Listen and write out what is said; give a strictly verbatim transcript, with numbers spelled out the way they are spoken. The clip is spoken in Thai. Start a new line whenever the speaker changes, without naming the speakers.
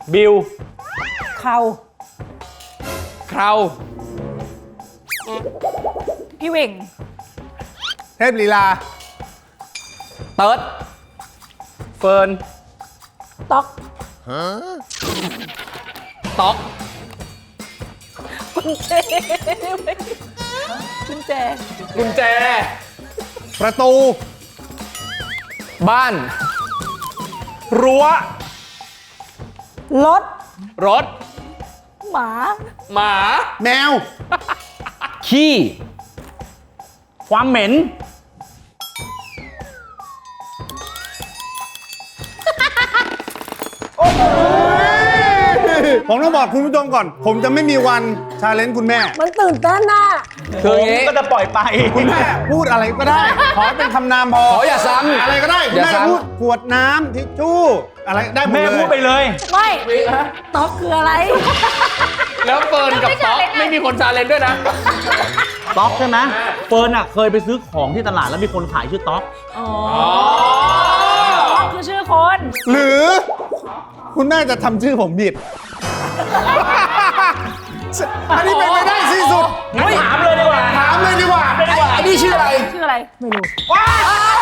บิว
เขา
คราว
พี่เหว่ง
เทพลีลา
เติร์ดเฟิร์น
ต๊อก
ต๊อก
กุญแจกุญแจ
กุญแจ
ประตู
บ้าน รั้ว
รถ
รถ
หมา
หมา
แมว
ขี้ ความเหม็น
ผมต้องบอกคุณผู้ชมก่อน ผมจะไม่มีวันชาเลนจ์คุณแม่
มันตื่นเต้นน่ะ
คืออย่างนี้
ก็จะปล่อยไป
คุณแม่พูดอะไรก็ได้ ขอให้เป็นคำนามพอ
ขออย่าซ้ำ
อะไรก็ได้คุณ
อย่า
แม่
ซ้ำ
พูดขวดน้ำทิชชู่อะไรได้หมด
แม่
เลย
พูดไปเลย
ไม่ต๊อกคืออะไร
แล้วเฟิร์นกับต๊อกไม่มีคนชาเลนจ์ด้วยนะ
ต๊อกใช่ไหมเฟิร์นอ่ะเคยไปซื้อของที่ตลาดแล้วมีคนขายชื่อต๊อก
อ๋อต๊อกคือชื่อคน
หรือ คุณแม่จะทำชื่อผมผิด อันนี้เป็นไปได้ที่สุด
งั้นถามเลยดีกว่า
ถามเลยดีกว่า
ไอ้นี่ชื่ออะไร
ชื่ออะไร ไม่รู้
ว้าว